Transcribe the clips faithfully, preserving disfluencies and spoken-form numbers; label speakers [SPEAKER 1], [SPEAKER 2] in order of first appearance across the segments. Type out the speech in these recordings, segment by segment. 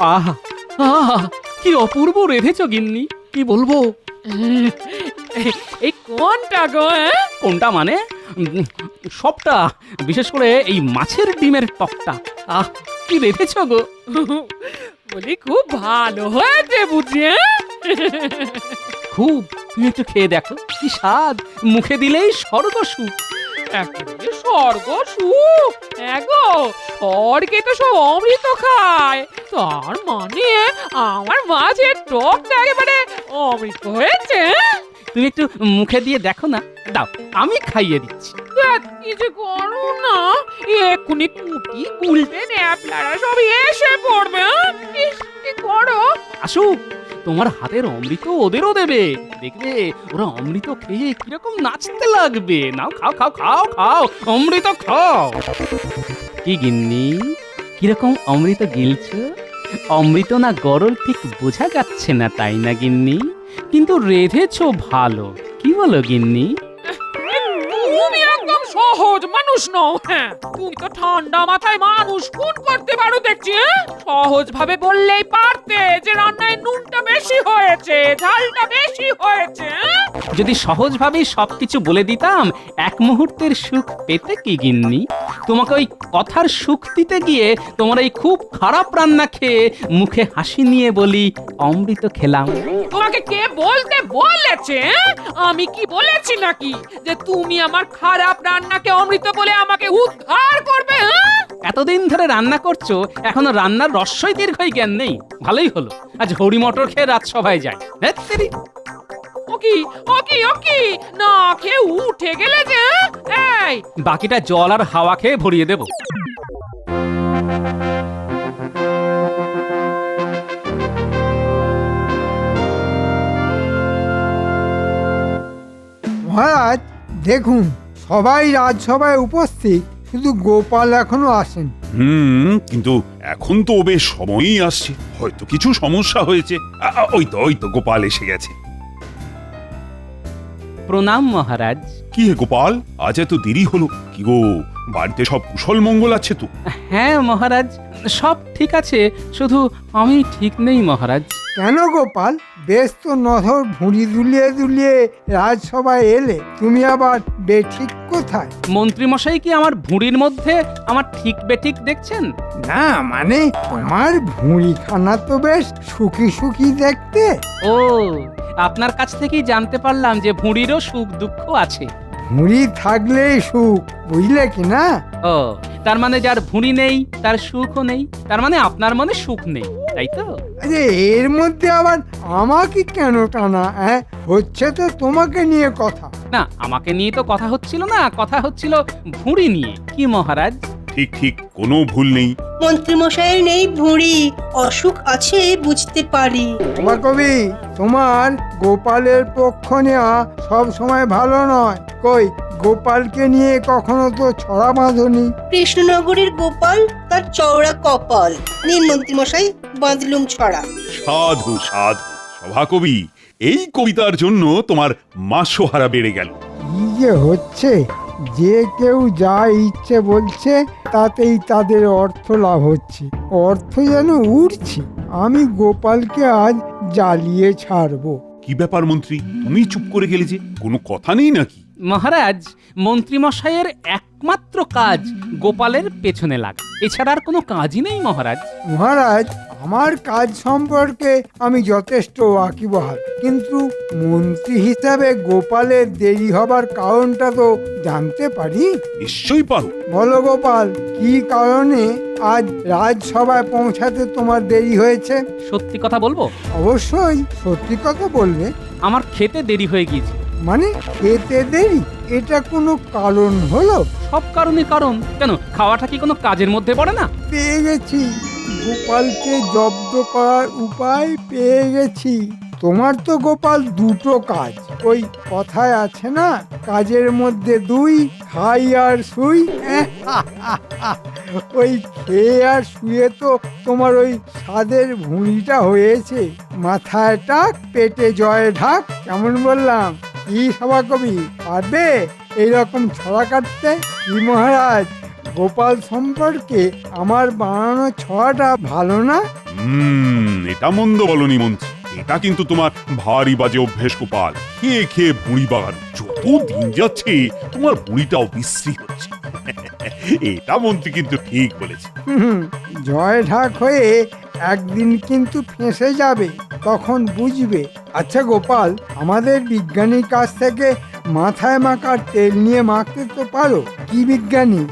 [SPEAKER 1] আহা আহা কি অপূর্ব রেঁধেছ গিন্নি, কি বলবো।
[SPEAKER 2] এই কোনটা গো? হ্যাঁ?
[SPEAKER 1] কোনটা মানে উম, সবটা, বিশেষ করে এই মাছের ডিমের টকটা। আহ কি রেঁধেছ গো।
[SPEAKER 2] বলি খুব ভালো হয়েছে বুঝি। হ্যাঁ?
[SPEAKER 1] খুব, তুমি একটু খেয়ে দেখো, কি স্বাদ, মুখে দিলেই স্বর্গ সুখ।
[SPEAKER 2] একেবারে স্বর্গ সুখ। এগো স্বর্গে তো সব অমৃত খায়, তার মানে আমার মাছের টকটা একেবারে অমৃত হয়েছে। হ্যাঁ?
[SPEAKER 1] তুমি একটু মুখে দিয়ে দেখো না, দাও আমি খাইয়ে দিচ্ছি।
[SPEAKER 2] ধ্যাৎ, কি যে করো না, এক্ষুনি কুটি গুলতে ন্যাপলারা সব এসে পড়বে। হ্যাঁ? ইস, কি করো?
[SPEAKER 1] আসুক, তোমার হাতের অমৃত ওদেরও দেবে, দেখবে ওরা অমৃত খেয়ে কিরকম নাচতে লাগবে। নাও খাও খাও খাও খাও, অমৃত খাও। কি গিন্নি, কিরকম অমৃত গিলছো? অমৃত না গরল ঠিক বোঝা যাচ্ছে না, তাই না গিন্নি? কিন্তু রেঁধেছো ভালো, কি বলো গিন্নি?
[SPEAKER 2] তুমি একদম সহজ মানুষ নও। হ্যাঁ, তুমি তো ঠান্ডা মাথায় মানুষ খুন করতে পারো দেখছি। হ্যাঁ? সহজ ভাবে বললেই পারতে যে রান্নায় নুনটা বেশি হয়েছে, ঝালটা বেশি হয়েছে। হ্যাঁ?
[SPEAKER 1] যদি সহজভাবেই সবকিছু বলে দিতাম, এক মুহূর্তের সুখ পেতে কি গিন্নি? তোমাকে ওই কথার সুখ দিতে গিয়ে তোমার এই খুব খারাপ রান্না খেয়ে মুখে হাসি নিয়ে বলি অমৃত খেলাম।
[SPEAKER 2] তোমাকে কে বলতে বলেছে? হ্যাঁ? আমি কি বলেছি নাকি যে তুমি আমার খারাপ রান্নাকে অমৃত বলে আমাকে উদ্ধার করবে? হ্যাঁ?
[SPEAKER 1] এতদিন ধরে রান্না করছো, এখনো রান্নার রস্যই দীর্ঘই জ্ঞান নেই। ভালোই হলো আজ হরি মটর খেয়ে রাজসভায় যাই। ধ্যাৎ তেরি।
[SPEAKER 2] ওকি ওকি ওকি না খেয়ে উঠে গেলে যে। হ্যাঁ? এই
[SPEAKER 1] বাকিটা জল আর হাওয়া খেয়ে ভরিয়ে দেব।
[SPEAKER 3] মহারাজ দেখুন, সবাই রাজসভায় উপস্থিত, শুধু গোপাল এখনো আসেন।
[SPEAKER 4] হুম, কিন্তু এখন তো ও বেশ সময়ই আসছে, হয়তো কিছু সমস্যা হয়েছে। আ, আ, ওই তো ওই তো গোপাল এসে গেছে।
[SPEAKER 1] প্রণাম মহারাজ।
[SPEAKER 4] কি হে গোপাল, আজ এত দেরি হলো? কি গো, বাড়িতে সব কুশল মঙ্গল আছে তো?
[SPEAKER 1] হ্যাঁ মহারাজ, সব ঠিক আছে, শুধু আমি ঠিক নেই মহারাজ।
[SPEAKER 3] কেন গোপাল, বেশ তো নধর ভুঁড়ি দুলিয়ে দুলিয়ে রাজসভায় এলে, তুমি আবার বেঠিক কোথায়?
[SPEAKER 1] মন্ত্রীমশাই কি আমার ভুঁড়ির মধ্যে আমার ঠিক বেঠিক দেখছেন?
[SPEAKER 3] না মানে তোমার ভুঁড়িখানা তো বেশ সুখী সুখী দেখতে।
[SPEAKER 1] ও, আপনার কাছ থেকেই জানতে পারলাম যে ভুঁড়িরও সুখ দুঃখ আছে।
[SPEAKER 3] ভুঁড়ি থাকলেই সুখ, বুঝলে কি না?
[SPEAKER 1] ও, তার মানে যার ভুঁড়ি নেই তার সুখও নেই, তার মানে আপনার মনে সুখ নেই, তাই তো?
[SPEAKER 3] আরে এর মধ্যে আবার আমাকে কেন টানা? হ্যাঁ, হচ্ছে তো তোমাকে নিয়ে কথা।
[SPEAKER 1] না, আমাকে নিয়ে তো কথা হচ্ছিল না, কথা হচ্ছিল ভুঁড়ি নিয়ে। কি মহারাজ?
[SPEAKER 4] ঠিক ঠিক, কোনো ভুল নেই।
[SPEAKER 5] মন্ত্রীমশাইয়ের নেই ভুঁড়ি, অসুখ আছে বুঝতে পারি।
[SPEAKER 3] তোমার কবি, তোমার গোপালের পক্ষ নেওয়া সব সময় ভালো নয়। কই, গোপালকে নিয়ে কখনো তো ছড়া বাঁধনি।
[SPEAKER 5] কৃষ্ণনগরের গোপাল তার চওড়া কপাল, নিন মন্ত্রীমশাই বাঁধলুম ছড়া।
[SPEAKER 4] সাধু সাধু। সভাকবি, এই কবিতার জন্য তোমার মাসোহারা বেড়ে গেল।
[SPEAKER 3] কি যে হচ্ছে, যে কেউ যা ইচ্ছে বলছে তাতেই তাদের অর্থ লাভ হচ্ছে, অর্থ যেন উঠছে। আমি গোপালকে আজ জ্বালিয়ে ছাড়বো।
[SPEAKER 4] কি ব্যাপার মন্ত্রী, তুমি চুপ করে গেলে যে? কোনো কথা নেই নাকি?
[SPEAKER 1] মহারাজ, মন্ত্রীমশাইয়ের একমাত্র কাজ গোপালের পেছনে লাগা, এছাড়া আর কোনো কাজই নেই মহারাজ।
[SPEAKER 3] মহারাজ, আমার কাজ সম্পর্কে আমি যথেষ্ট ওয়াকিবহাল, কিন্তু মন্ত্রী হিসাবে গোপালের দেরি হবার কারণটা তো জানতে পারি?
[SPEAKER 4] নিশ্চয়ই পারো।
[SPEAKER 3] বলো গোপাল, কি কারণে আজ রাজসভায় পৌঁছাতে তোমার দেরি হয়েছে?
[SPEAKER 1] সত্যি কথা বলবো,
[SPEAKER 3] অবশ্যই সত্যি কথা বলবে।
[SPEAKER 1] আমার খেতে দেরি হয়ে গিয়েছে।
[SPEAKER 3] মানে এতে দেরি? এটা কোনো কারণ হলো?
[SPEAKER 1] সব কারণে কারণ। কেন, খাওয়াটা কি কোনো কাজের মধ্যে পড়ে না?
[SPEAKER 3] পেয়ে গেছি, গোপালকে জব্দ করার উপায় পেয়ে গেছি। তোমার তো গোপাল দুটো কাজ, ওই কথায় আছে না, কাজের মধ্যে দুই, খাই আর শুই। ওই খেয়ে আর শুয়ে তো তোমার ওই স্বাদের ভুঁড়িটা হয়েছে। মাথায় টাক, পেটে জয় ঢাক। কেমন বললাম? কি সভাকবি, পারবে এইরকম ছড়া কাটতে? কি মহারাজ, গোপাল সম্পর্কে আমার বানানো ছড়াটা ভালো না?
[SPEAKER 4] হুম এটা মন্দ বলনি মন্ত্রী, এটা কিন্তু তোমার ভারী বাজে অভ্যেস গোপাল। খেয়ে খেয়ে ভুঁড়ি বাগান, যত দিন যাচ্ছে তোমার ভুঁড়িটাও বিশ্রী হচ্ছে। এটা মন্ত্রী কিন্তু ঠিক বলেছে।
[SPEAKER 3] হুম, জয় ঢাক হয়ে একদিন কিন্তু ফেঁসে যাবে, তখন বুঝবে। আচ্ছা গোপাল, আমাদের বিজ্ঞানীর কাছ থেকে মাথায় মাখার তেল নিয়ে মাখতে তো পারো? কি বিজ্ঞানী?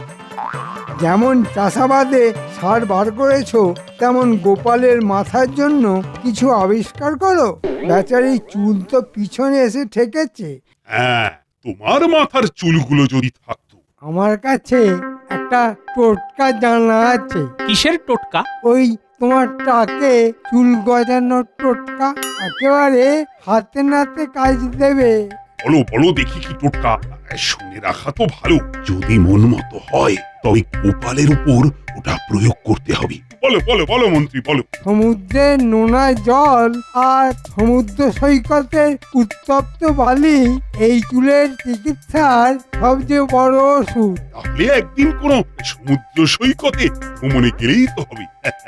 [SPEAKER 3] যেমন চাষাবাদে সার বার করেছো, তেমন গোপালের মাথার জন্য কিছু আবিষ্কার করো। বেচারি চুল তো পিছনে এসে ঠেকেছে।
[SPEAKER 4] হ্যাঁ, তোমার মাথার চুলগুলো যদি থাকতো।
[SPEAKER 3] আমার কাছে একটা টোটকা জানা আছে।
[SPEAKER 1] কিসের টোটকা?
[SPEAKER 3] ওই তোমার টাকে চুল গজানোর টোটকা, একেবারে হাতে নাতে কাজ দেবে।
[SPEAKER 4] বলো বলো দেখি কি টোটকা। শুনে রাখা তো ভালো, যদি মন মতো হয় তবে গোপালের উপর ওটা প্রয়োগ করতে হবে। বলো বলো বলো মন্ত্রী বলো।
[SPEAKER 3] সমুদ্রের নোনা জল আর সমুদ্র সৈকতের উত্তপ্ত বালি এই চুলের চিকিৎসার সবচেয়ে বড় ওষুধ।
[SPEAKER 4] তাহলে একদিন কোন সমুদ্র সৈকতে ভ্রমণে গেলেই তো হবে।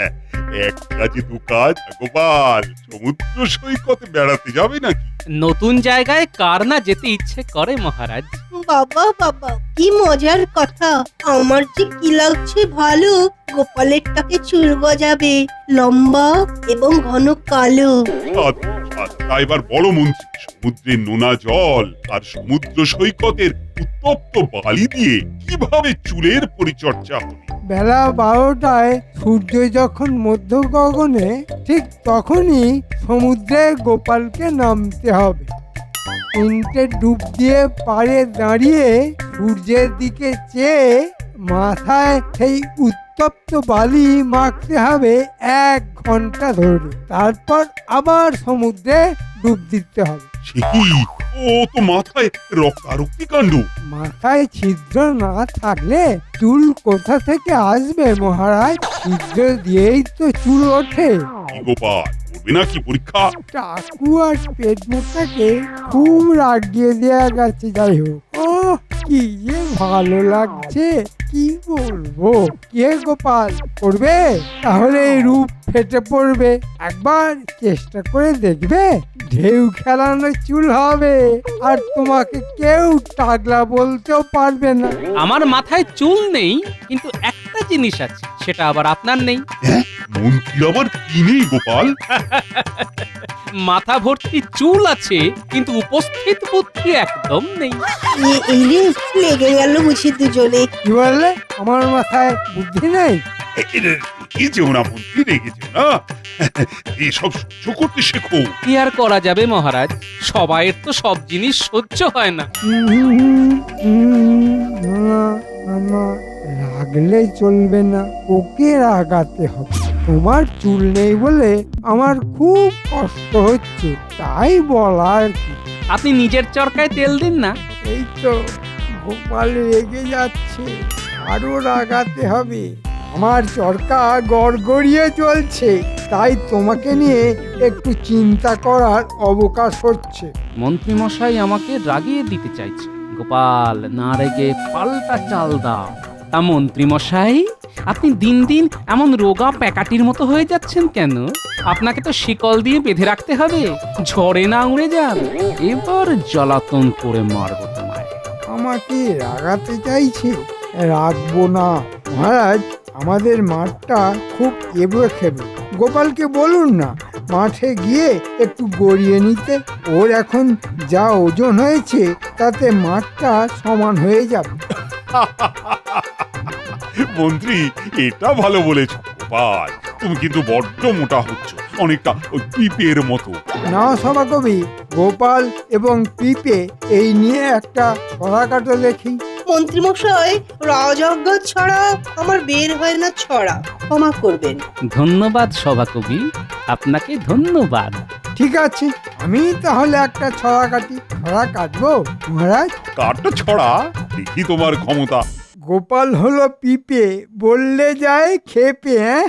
[SPEAKER 4] এক কাজে দু কাজ গোপাল, সমুদ্র সৈকতে বেড়াতে যাবে নাকি?
[SPEAKER 1] নতুন জায়গায় কার না যেতে ইচ্ছে করে মহারাজ।
[SPEAKER 5] বাবা বাবা, কি মজার কথা। আমার যে কি লাগছে ভালো, গোপালের টাকে চুল গজাবে, লম্বা এবং ঘন কালো।
[SPEAKER 4] সাধু, সাধু। তা এবার বলো মন্ত্রী, সমুদ্রের নোনা জল আর সমুদ্র সৈকতের উত্তপ্ত বালি দিয়ে কিভাবে চুলের পরিচর্যা হবে?
[SPEAKER 3] বেলা বারোটায় সূর্য যখন মধ্য গগনে, ঠিক তখনই সমুদ্রে গোপালকে নামতে হবে। তিনটে ডুব দিয়ে পাড়ে দাঁড়িয়ে সূর্যের দিকে চেয়ে মাথায় সেই উত্তপ্ত বালি মাখতে হবে এক ঘন্টা ধরে। তারপর আবার সমুদ্রে ডুব দিতে হবে।
[SPEAKER 4] সে কি, ও তো মাথায় রক্তারক্তি কাণ্ড।
[SPEAKER 3] মাথায় ছিদ্র না থাকলে চুল কোথা থেকে আসবে মহারাজ? ছিদ্র দিয়েই তো চুল ওঠে।
[SPEAKER 4] কি গোপাল, করবে নাকি পরীক্ষা?
[SPEAKER 3] টাকু আর পেট মোটাকে খুব রাগিয়ে দেয়া গেছে। যাই হোক, ও কি যে ভালো লাগছে, কি বলবো। কে গোপাল, করবে? তাহলে এই রূপ ফেটে পড়বে। একবার চেষ্টা করে দেখবে, ঢেউ খেলানো চুল হবে, আর তোমাকে কেউ টাগলা বলতেও পারবে না।
[SPEAKER 1] আমার মাথায় চুল নেই, কিন্তু একটা জিনিস আছে, সেটা আবার আপনার নেই।
[SPEAKER 4] মন্ত্রী আবার কি নেই গোপাল?
[SPEAKER 1] মাথা ভর্তি চুল আছে, কিন্তু উপস্থিত বুদ্ধি একদম নেই।
[SPEAKER 5] এ- এই রে, লেগে গেল বুঝি দুজনে।
[SPEAKER 3] কি বললে? আমার মাথায় বুদ্ধি নেই?
[SPEAKER 4] কি যেও না মন্ত্রী, রেগে যেও না। এসব সহ্য করতে শেখো।
[SPEAKER 1] কি আর করা যাবে মহারাজ, সবাইয়ের তো সব জিনিস সহ্য হয় না।
[SPEAKER 3] হুম, হুম, হুম, না, না, না, রাগলে চলবে না, ওকে রাগাতে হবে। তোমার চুল নেই বলে আমার খুব কষ্ট হচ্ছে, তাই বলা আর কি।
[SPEAKER 1] আপনি নিজের চরকায় তেল দিন না।
[SPEAKER 3] এই তো গোপাল রেগে যাচ্ছে, আরো রাগাতে হবে। আমার চরকা গড়গড়িয়ে চলছে, তাই তোমাকে নিয়ে একটু চিন্তা করার অবকাশ হচ্ছে।
[SPEAKER 1] মন্ত্রী মশাই আমাকে রাগিয়ে দিতে চাইছে। গোপাল, না রেগে পাল্টা চাল দাও। তা মন্ত্রী মশাই, আপনি দিন দিন এমন রোগা প্যাকাটির মতো হয়ে যাচ্ছেন কেন? আপনাকে তো শিকল দিয়ে বেঁধে রাখতে হবে, ঝড়ে না উড়ে যান। এবার জ্বালাতন করে মারবো তোমায়।
[SPEAKER 3] আমাকে রাগাতে চাইছে, রাখবো না মহারাজ। আমাদের মাঠটা খুব এবড়ো খেবে, গোপালকে বলুন না মাঠে গিয়ে একটু গড়িয়ে নিতে। ওর এখন যা ওজন হয়েছে, তাতে মাঠটা সমান হয়ে যাবে।
[SPEAKER 4] মন্ত্রী, এটা ভালো বলেছ গোপাল। তুমি কিন্তু বড্ড মোটা হচ্ছ, অনেকটা ওই পিপের মতো।
[SPEAKER 3] না সভাকবি, গোপাল এবং পিপে এই নিয়ে একটা ছড়া কাটো দেখি।
[SPEAKER 5] মন্ত্রীমশাই, রাজজ্ঞ ছাড়া আমার বের হয় না ছড়া, ক্ষমা করবেন।
[SPEAKER 1] ধন্যবাদ সভাকবি, আপনাকে ধন্যবাদ।
[SPEAKER 3] ঠিক আছে, আমি তাহলে একটা ছড়া কাটি। ছড়া কাটবো মহারাজ।
[SPEAKER 4] কারটা ছড়া, দেখি তোমার ক্ষমতা।
[SPEAKER 3] গোপাল হলো পিপে, বললে যায় খেপে। হ্যাঁ,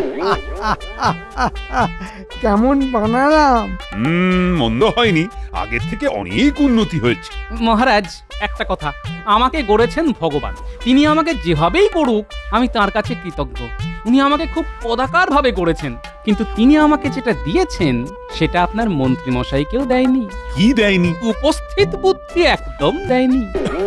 [SPEAKER 3] কেমন বানালাম?
[SPEAKER 4] হুম, মন্দ হয়নি, আগের থেকে অনেক উন্নতি হয়েছে।
[SPEAKER 1] মহারাজ, একটা কথা, আমাকে গড়েছেন ভগবান। তিনি আমাকে যেভাবেই করুক, আমি তার কাছে কৃতজ্ঞ। উনি আমাকে খুব পদাকার ভাবে গড়েছেন, কিন্তু তিনি আমাকে যেটা দিয়েছেন সেটা আপনার মন্ত্রী মশাইকেও দেয়নি।
[SPEAKER 4] কি দেয়নি?
[SPEAKER 1] উপস্থিত বুদ্ধি একদম দেয়নি।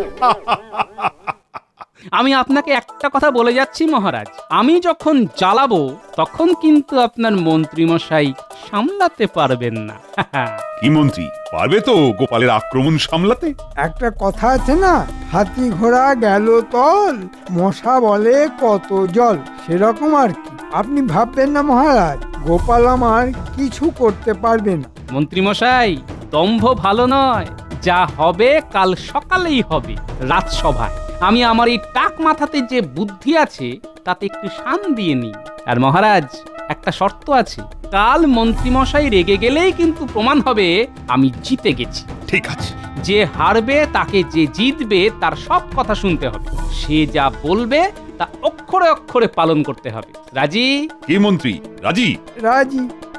[SPEAKER 1] আমি আপনাকে একটা কথা বলে যাচ্ছি মহারাজ, আমি যখন জ্বালাবো তখন কিন্তু আপনার মন্ত্রী মশাই সামলাতে পারবেন না।
[SPEAKER 4] কি মন্ত্রী, পারবে তো গোপালের আক্রমণ সামলাতে?
[SPEAKER 3] একটা কথা আছে না, হাতি ঘোড়া গেল তল, মশা বলে কত জল, সেরকম আর কি। আপনি ভাববেন না মহারাজ, গোপাল আমার কিছু করতে পারবে না।
[SPEAKER 1] মন্ত্রী মশাই, দম্ভ ভালো নয়, যা হবে কাল সকালেই হবে রাজসভায়। আমি আমার এই টাক মাথাতে যে বুদ্ধি আছে তাতে একটু শান দিয়ে নিই। আর মহারাজ, একটা শর্ত আছে, কাল মন্ত্রী মশাই রেগে গেলেই কিন্তু প্রমাণ হবে আমি জিতে গেছি।
[SPEAKER 4] ঠিক আছে।
[SPEAKER 1] যে হারবে তাকে যে জিতবে তার সব কথা শুনতে হবে, সে যা বলবে তা অক্ষরে অক্ষরে পালন করতে হবে। রাজি?
[SPEAKER 4] কি মন্ত্রী, রাজি?
[SPEAKER 3] রাজি।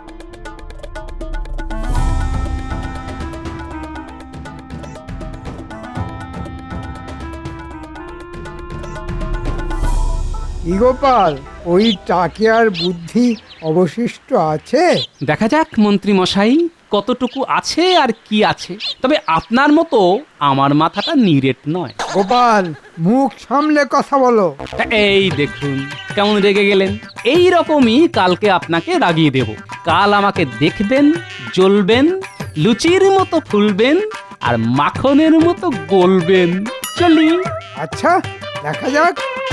[SPEAKER 3] কি গোপাল, ওই টাকে আর বুদ্ধি অবশিষ্ট আছে?
[SPEAKER 1] দেখা যাক মন্ত্রী মশাই কতটুকু আছে আর কি আছে। তবে আপনার মতো আমার মাথাটা নিরেট নয়।
[SPEAKER 3] গোপাল, মুখ সামলে কথা বলো।
[SPEAKER 1] তা এই দেখুন কেমন রেগে গেলেন। এই রকমই কালকে আপনাকে রাগিয়ে দেব। কাল আমাকে দেখবেন, জ্বলবেন, লুচির মতো ফুলবেন আর মাখনের মতো গলবেন। চলি।
[SPEAKER 3] আচ্ছা, দেখা যাক।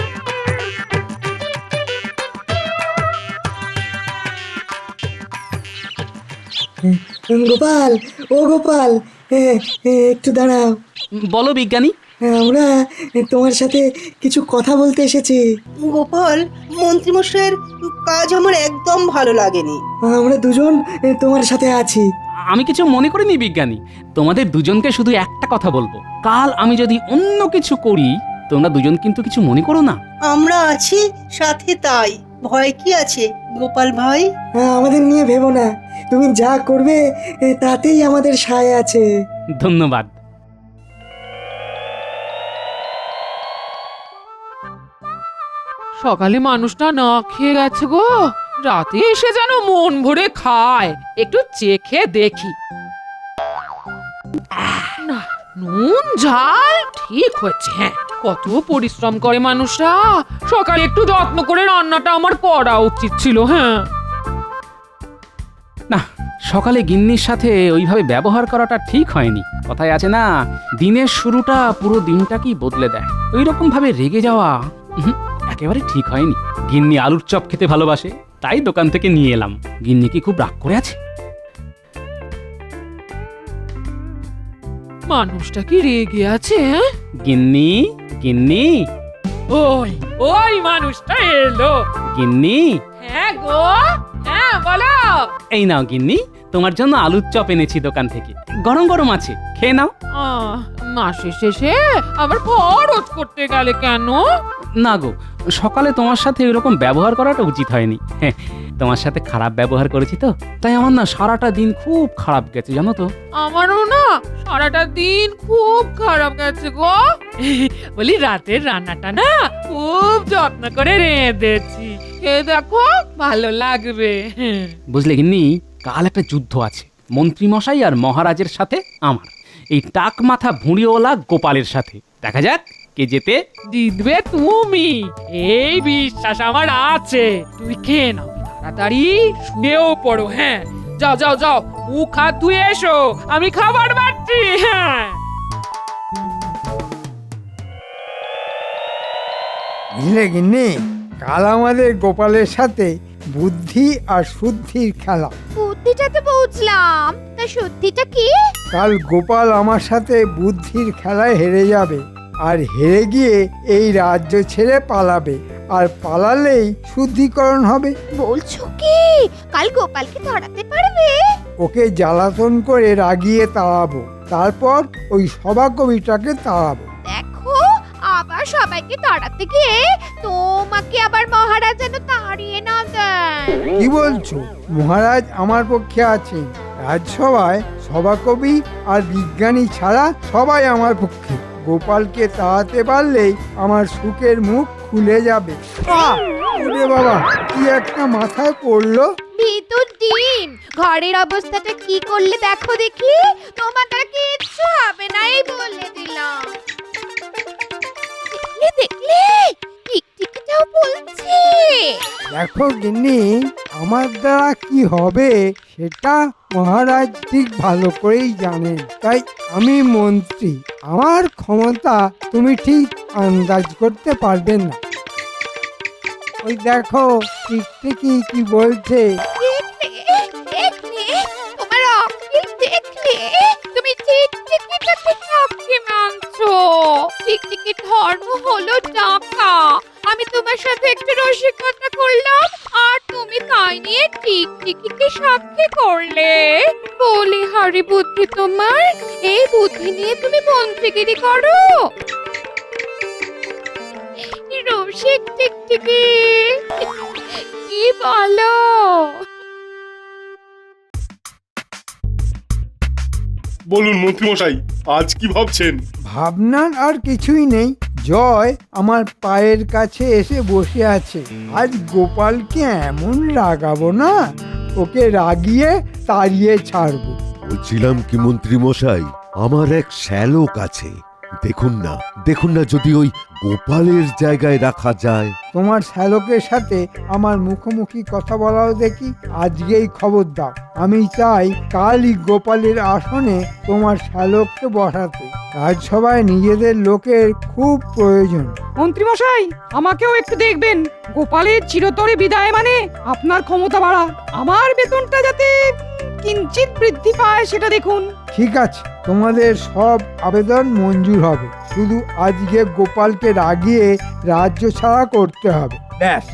[SPEAKER 6] গোপাল, ও গোপাল, এ, এ, একটু দাঁড়াও।
[SPEAKER 1] বলো বিজ্ঞানী।
[SPEAKER 6] আমরা তোমার সাথে কিছু কথা বলতে এসেছি।
[SPEAKER 5] গোপাল, মন্ত্রীমশাইয়ের কাজ আমার একদম ভালো লাগেনি।
[SPEAKER 6] আমরা দুজন এ, তোমার সাথে আছি।
[SPEAKER 1] আমি কিছু মনে করিনি বিজ্ঞানী, তোমাদের দুজনকে শুধু একটা কথা বলবো, কাল আমি যদি অন্য কিছু করি তোমরা দুজন কিন্তু কিছু মনে করো না।
[SPEAKER 5] আমরা আছি সাথে, তাই ভয় কি আছে গোপাল ভাই?
[SPEAKER 6] আমাদের নিয়ে ভেবো না, তুমি যা করবে এ, তাতেই আমাদের সায় আছে।
[SPEAKER 1] ধন্যবাদ।
[SPEAKER 2] সকালে মানুষটা না খেয়ে গেছে গো, রাতে এসে যেন মন ভরে খায়। একটু চেখে দেখি। আহ, না, নুন ঝাল ঠিক হয়েছে। হ্যাঁ, কত পরিশ্রম করে মানুষরা, সকালে একটু যত্ন করে রান্নাটা আমার করা উচিত ছিল। হ্যাঁ,
[SPEAKER 1] না, সকালে গিন্নির সাথে ওইভাবে ব্যবহার করাটা ঠিক হয়নি। কথায় আছে না, দিনের শুরুটা পুরো দিনটাকেই বদলে দেয়। ওই রকম ভাবে রেগে যাওয়া উহুম, একেবারে ঠিক হয়নি। গিন্নি আলুর চপ খেতে ভালোবাসে, তাই দোকান থেকে নিয়ে এলাম। গিন্নি কি খুব রাগ করে আছে?
[SPEAKER 2] মানুষটা কি রেগে আছে? হ্যাঁ?
[SPEAKER 1] গিন্নি, গিন্নি,
[SPEAKER 2] ওই ওই মানুষটা এলো।
[SPEAKER 1] গিন্নি,
[SPEAKER 2] হ্যাঁ গো, হ্যাঁ বলো।
[SPEAKER 1] এই নাও গিন্নি, তোমার জন্য আলুর চপ এনেছি দোকান থেকে, গরম গরম আছে, খেয়ে নাও।
[SPEAKER 2] আহ, মাসের শেষে আবার খরচ করতে গেলে কেন?
[SPEAKER 1] না গো, সকালে তোমার সাথে এরকম ব্যবহার করাটা উচিত হয়নি। হ্যাঁ, তোমার সাথে খারাপ ব্যবহার করেছি তো, তাই আমার না সারাটা দিন খুব খারাপ গেছে জানো তো।
[SPEAKER 2] আমারও না সারাটা দিন খুব খারাপ গেছে গো। বলি রাতের রান্নাটা না খুব যত্ন করে রেঁধেছি, খেয়ে দেখো ভালো লাগবে।
[SPEAKER 1] বুঝলে গিন্নি, কাল একটা যুদ্ধ আছে মন্ত্রী মশাই আর মহারাজের সাথে আমার, এই টাক মাথা ভুঁড়িওয়ালা গোপালের সাথে। দেখা যাক কে জেতে।
[SPEAKER 2] জিতবে তুমি, এই বিশ্বাস আমার আছে। তুমি খেয়ে নাও, তাড়াতাড়ি শুয়েও পড়ো। হ্যাঁ, যাও যাও যাও, মুখ হাত ধুয়ে এসো, আমি খাবার বাড়ছি। হ্যাঁ,
[SPEAKER 3] বুঝলে গিন্নি, কাল আমাদের গোপালের সাথে বুদ্ধি আর শুদ্ধির খেলা।
[SPEAKER 7] বুদ্ধিটা তো বুঝলাম, তা সত্যিটা কি?
[SPEAKER 3] কাল গোপাল আমার সাথে বুদ্ধির খেলায় হেরে যাবে, আর হেরে গিয়ে এই রাজ্য ছেড়ে পালাবে, আর পালালেই শুদ্ধিকরণ হবে।
[SPEAKER 7] বলছো কি কাল গোপালকে ধরাতে পারবে?
[SPEAKER 3] ওকে জ্বালাতন করে রাগিয়ে তাড়াবো, তারপর ওই সভাকবিটাকে তাড়াবো।
[SPEAKER 7] দেখো, আবার সবাইকে তাড়াতে গিয়ে তোমাকে আবার মহারাজ যেন তাড়িয়ে না দেন।
[SPEAKER 3] কি বলছো? মহারাজ আমার পক্ষে আছেন। রাজসভায় সভাকবি আর বিজ্ঞানী ছাড়া সবাই আমার পক্ষে। গোপালকে তাড়াতে পারলেই আমার সুখের মুখ খুলে যাবে। আহ! ওরে বাবা, কি একটা মাথায় পড়লো।
[SPEAKER 7] বুদ্ধি তো ডিম। ঘরের অবস্থাটা কি করলে দেখো দেখি, তোমার দ্বারা কিচ্ছু হবে না, এই বলে দিলাম। দেখলে দেখলে টিকটিকিটাও বলছে।
[SPEAKER 3] দেখো গিন্নি, আমার দ্বারা কি হবে সেটা মহারাজ ঠিক ভালো করেই জানেন। তাই আমি মন্ত্রী, আমার ক্ষমতা তুমি ঠিক আন্দাজ করতে পারবে না। ওই দেখো টিকটিকি কি বলছে।
[SPEAKER 7] দেখলে দেখলে তোমার অকিল দেখলে, তুমি টিকটিকিটাকে সাক্ষী মানছো। টিকটিকির ধর্ম হলো টাকা। আমি তোমার সাথে একটু রসিকতা করলাম, আর তুমি তাই নিয়ে টিকটিকিকে সাক্ষী করলে। বলি হারি বুদ্ধি তোমার, এই বুদ্ধি নিয়ে তুমি মন্ত্রীগিরি করো। রসিক টিকটিকি, কি বলো?
[SPEAKER 8] বলুন মন্ত্রীমশাই, আজ কি ভাবছেন?
[SPEAKER 3] ভাবনার আর কিছুই নেই। জয় আমার পায়ের কাছে এসে বসে আছে। আজ গোপালকে এমন রাগাবো না, ওকে রাগিয়ে তাড়িয়ে ছাড়বো।
[SPEAKER 9] বলছিলাম কি মন্ত্রী মশাই, আমার এক শ্যালক আছে, দেখুন না দেখুন না যদি ওই গোপালের জায়গায় রাখা যায়।
[SPEAKER 3] তোমার শ্যালকের সাথে আমার মুখোমুখি কথা বলাও দেখি। আজকেই খবর দাও, আমি চাই কালই গোপালের আসনে তোমার শ্যালককে বসাতে। রাজসভায় নিজেদের লোকের খুব প্রয়োজন।
[SPEAKER 2] মন্ত্রী মশাই, আমাকেও একটু দেখবেন। গোপালের চিরতরে বিদায় মানে আপনার ক্ষমতা বাড়া। আমার বেতনটা যাতে কিঞ্চিত বৃদ্ধি পায় সেটা দেখুন।
[SPEAKER 3] ঠিক আছে, তোমাদের সব আবেদন মঞ্জুর হবে, শুধু আজকে গোপালকে রাগিয়ে রাজ্য ছাড়া করতে হবে, ব্যাস।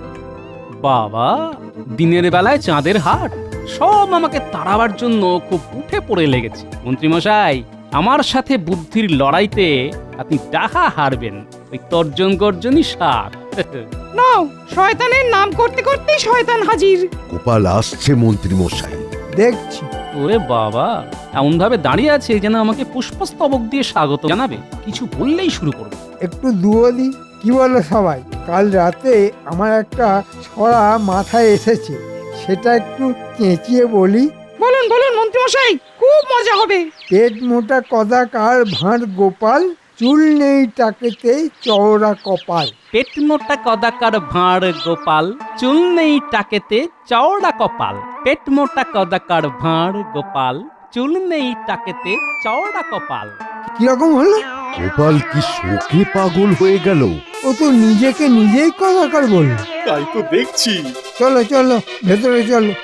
[SPEAKER 1] বাবা, দিনের বেলায় চাঁদের হাট, সব আমাকে তাড়াবার জন্য খুব উঠে পড়ে লেগেছে। মন্ত্রীমশাই, আমার সাথে বুদ্ধির লড়াইতে আপনি ডাহা হারবেন। ওই তর্জন গর্জনই সার।
[SPEAKER 2] নাও, শয়তানের নাম করতে করতেই শয়তান হাজির।
[SPEAKER 9] গোপাল আসছে মন্ত্রী মশাই।
[SPEAKER 3] দেখছি।
[SPEAKER 1] ওরে বাবা, এমন ভাবে দাঁড়িয়ে আছে যেন আমাকে পুষ্পস্তবক দিয়ে স্বাগত জানাবে। কিছু বললেই শুরু করবে।
[SPEAKER 3] একটু দুয়োদি, কি বলো সবাই? কাল রাতে আমার একটা ছড়া মাথায় এসেছে, সেটা একটু চেঁচিয়ে বলি।
[SPEAKER 2] বলুন বলুন মন্ত্রী মশাই, খুব মজা হবে।
[SPEAKER 3] পেট মোটা কদাকার ভাঁড় গোপাল, চুল নেই টাকেতে চওড়া কপাল।
[SPEAKER 1] পেট মোটা কদাকার ভাঁড় গোপাল, চুল নেই টাকেতে চওড়া কপাল। পেট মোটা কদাকার ভাঁড় গোপাল, চুল নেই টাকেতে চওড়া কপাল।
[SPEAKER 3] কিরকম হলো?
[SPEAKER 9] গোপাল কি শোকে পাগল হয়ে গেল?
[SPEAKER 3] ও তো নিজেকে নিজেই কদাকার বলল।
[SPEAKER 8] তাই তো দেখছি।
[SPEAKER 3] চলো চলো ভেতরে চলো।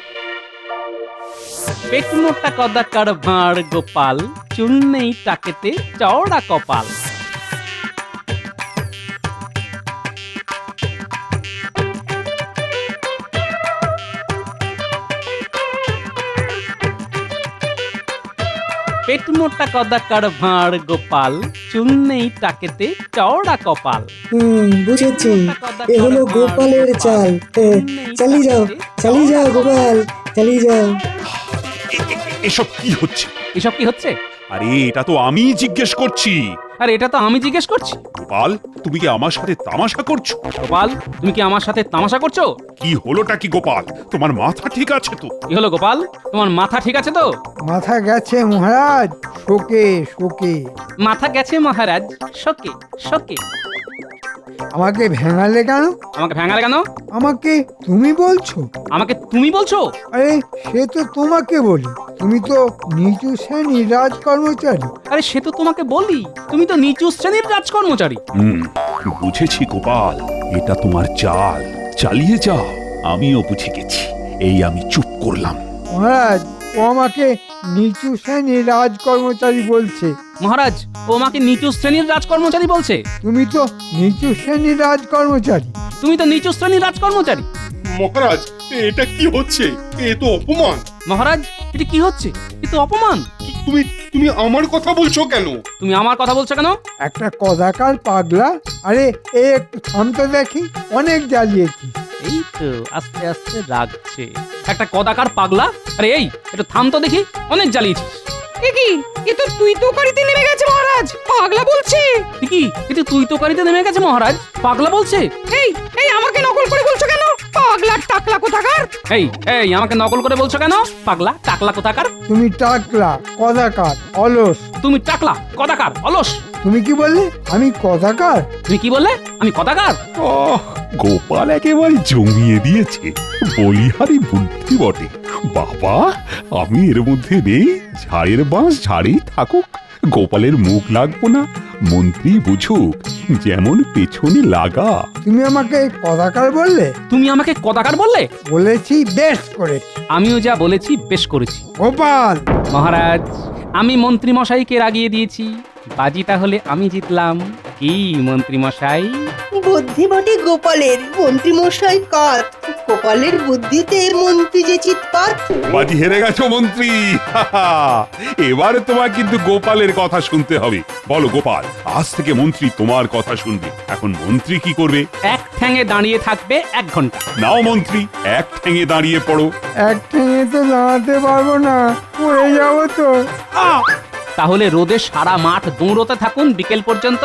[SPEAKER 1] পেট মোটা কদাকার ভাঁড় গোপাল, চুল নেই টাকেতে চওড়া কপাল। পেট মোটা কদাকার ভাঁড় গোপাল, চুল নেই টাকেতে চওড়া কপাল।
[SPEAKER 6] হুম, বুঝেছি, এ হলো গোপালের চাল। এ, চালিয়ে যাও চালিয়ে যাও গোপাল, চালিয়ে যাও।
[SPEAKER 4] এ- এ- এসব কি হচ্ছে?
[SPEAKER 1] এসব কি হচ্ছে?
[SPEAKER 4] আরে এটা তো আমি জিজ্ঞেস করছি।
[SPEAKER 1] আর এটা তো আমি জিজ্ঞেস করছি।
[SPEAKER 4] গোপাল, তুমি কি আমার সাথে তামাশা করছো?
[SPEAKER 1] গোপাল, তুমি কি আমার সাথে তামাশা করছো?
[SPEAKER 4] কি হলোটা কি গোপাল? তোমার মাথা ঠিক আছে তো?
[SPEAKER 1] কি হলো গোপাল, তোমার মাথা ঠিক আছে তো?
[SPEAKER 3] মাথা গেছে মহারাজ, শোকে শোকে।
[SPEAKER 1] মাথা গেছে মহারাজ, শোকে শোকে।
[SPEAKER 3] আমাকে ভেঙালে কেন?
[SPEAKER 1] আমাকে ভেঙালে কেন?
[SPEAKER 3] আমাকে তুমি বলছো?
[SPEAKER 1] আমাকে তুমি বলছো?
[SPEAKER 3] আরে সে তো তোমাকে বলি, তুমি তো নিচু শ্রেণীর রাজ কর্মচারী।
[SPEAKER 1] আরে সে তো তোমাকে বলি, তুমি তো নিচু শ্রেণীর রাজকর্মচারী।
[SPEAKER 4] হুম, বুঝেছি গোপাল, এটা তোমার চাল। চালিয়ে যাও, আমিও বুঝে গেছি। এই আমি চুপ করলাম।
[SPEAKER 3] মহারাজ, ও আমাকে নিচু শ্রেণীর রাজ কর্মচারী বলছে।
[SPEAKER 1] মহারাজ, ও আমাকে নিচু শ্রেণীর রাজকর্মচারী বলছে।
[SPEAKER 3] তুমি তো নিচু শ্রেণীর রাজ কর্মচারী।
[SPEAKER 1] তুমি তো নিচু শ্রেণীর রাজকর্মচারী।
[SPEAKER 8] মহারাজ, এটা কি হচ্ছে? এ তো অপমান।
[SPEAKER 1] মহারাজ, এটা কি হচ্ছে? এ তো অপমান।
[SPEAKER 8] তুমি তুমি আমার কথা বলছো কেন?
[SPEAKER 1] তুমি আমার কথা বলছো কেন?
[SPEAKER 3] একটা কদাকার পাগলা। আরে এ একটু থামতে দেখি, অনেক জ্বালিয়েছি।
[SPEAKER 1] এই তো আস্তে আস্তে লাগছে। একটা কদাকার পাগলা। আরে এই, একটু থাম তো দেখি, অনেক জ্বালিয়েছিস।
[SPEAKER 2] এ কি, এ তো তুই তো করিতে নেমে গেছে মহারাজ, পাগলা বলছে।
[SPEAKER 1] কি, এটা তুই তো কারিতে নেমে গেছে মহারাজ, পাগলা বলছে।
[SPEAKER 2] এই এই আমাকে নকল করে বলছো কেন? পাগলা পাগলা টাকলা কোথাকার।
[SPEAKER 1] এই এই আমাকে নকল করে বলছো কেন? পাগলা টাকলা কোথাকার?
[SPEAKER 3] তুমি টাকলা কদাকার অলস।
[SPEAKER 1] তুমি টাকলা কদাকার অলস।
[SPEAKER 3] তুমি কি বললে? আমি কদাকার?
[SPEAKER 1] তুমি কি বললে? আমি কদাকার?
[SPEAKER 4] ওহ, গোপাল একেবারে জমিয়ে দিয়েছে, বলিহারি বুদ্ধি বটে। বাবা, আমি এর মধ্যে নেই, ঝাড়ের বাঁশ ঝাড়েই থাকুক, গোপালের মুখ লাগবো না, মন্ত্রী বুঝুক যেমন পেছনে লাগা।
[SPEAKER 3] তুমি আমাকে কদাকার বললে?
[SPEAKER 1] তুমি আমাকে কদাকার বললে?
[SPEAKER 3] বলেছি বেশ করেছি।
[SPEAKER 1] আমিও যা বলেছি বেশ করেছি।
[SPEAKER 3] গোপাল,
[SPEAKER 1] মহারাজ, আমি মন্ত্রী মশাইকে রাগিয়ে দিয়েছি, বাজি তাহলে আমি জিতলাম। কি মন্ত্রী মশাই?
[SPEAKER 5] বুদ্ধি বটে গোপালের, মন্ত্রী মশাই কাত। গোপালের বুদ্ধিতে মন্ত্রী যে চিৎপাত।
[SPEAKER 4] বাজি হেরে গেছো মন্ত্রী। এবারে তোমার কিন্তু গোপালের কথা শুনতে হবে। বলো গোপাল, আজ থেকে মন্ত্রী তোমার কথা শুনবে। এখন মন্ত্রী কি করবে?
[SPEAKER 1] এক ঠ্যাঙে দাঁড়িয়ে থাকবে এক ঘন্টা।
[SPEAKER 4] নাও মন্ত্রী, এক ঠেঙে দাঁড়িয়ে পড়ো।
[SPEAKER 3] এক ঠেঙে তো দাঁড়াতে পারবো না, পড়ে যাবো তো।
[SPEAKER 1] আহ! তাহলে রোদে সারা মাঠ দৌড়তে থাকুন বিকেল পর্যন্ত।